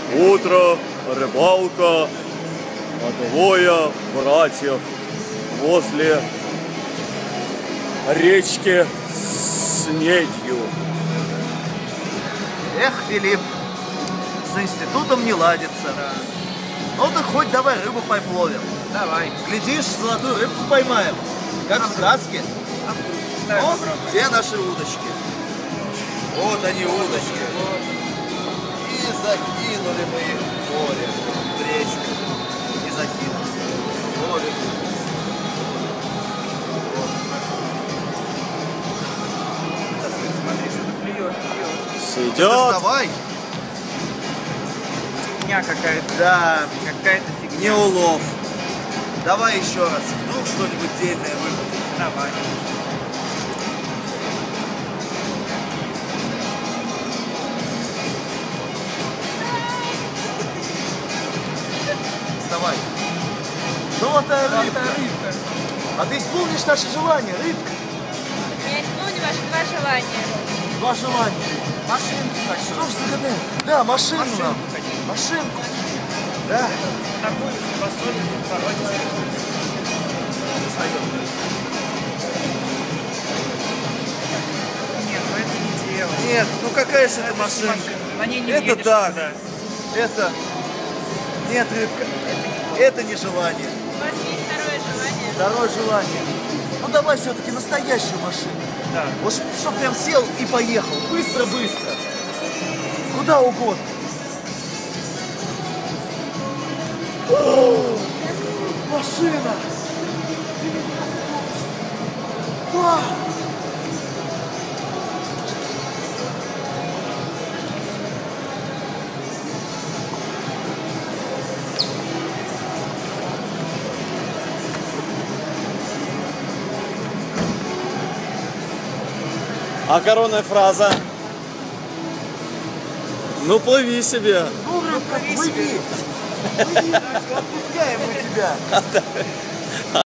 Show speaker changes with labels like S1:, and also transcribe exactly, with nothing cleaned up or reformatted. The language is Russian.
S1: Утро, рыбалка, двое братьев возле речки с Снедью.
S2: Эх, Филипп, с институтом не ладится.
S3: Да.
S2: Ну так хоть давай рыбу попловим.
S3: Давай.
S2: Глядишь, золотую рыбку поймаем, как в сказке.
S3: Давай
S2: Вот
S3: попробуем.
S2: где наши удочки. Вот они, удочки. И закинули мы их в море, в речку. И закинули. Ловим.
S3: Смотри, что-то клюет, клюет.
S1: Сидят.
S2: Доставай.
S3: Фигня какая-то.
S2: Да,
S3: Какая-то фигня.
S2: не улов. Давай еще раз. Вдруг что-нибудь дельное выпадет.
S3: Давай.
S2: Вставай. Золотая рыбка.
S3: Золотая рыбка.
S2: А ты исполнишь наше желание, рыбка?
S4: Я исполню ваши два желания.
S2: Два желания.
S3: Машинку хочу.
S2: Что ж загадал? Да, машину
S3: Машинку
S2: нам.
S3: хочу.
S2: Машинку. Да.
S3: Такую посолим, породистую.
S2: Достаем.
S3: Нет, ну это не дело.
S2: Нет, ну какая же это
S3: Это
S2: машинка?
S3: машина. На ней не
S2: Это
S3: едешь
S2: так.
S3: никуда.
S2: Это... Нет, рыбка. Это не желание.
S4: У вас есть второе желание?
S2: Второе желание. Ну давай все-таки настоящую машину.
S3: Да.
S2: Вот чтоб прям сел и поехал. Быстро-быстро. Куда угодно. О, машина! Вау!
S1: А коронная фраза? Ну плыви себе.
S2: Ну, рыбка, плыви! Плыви, отпускаем мы тебя.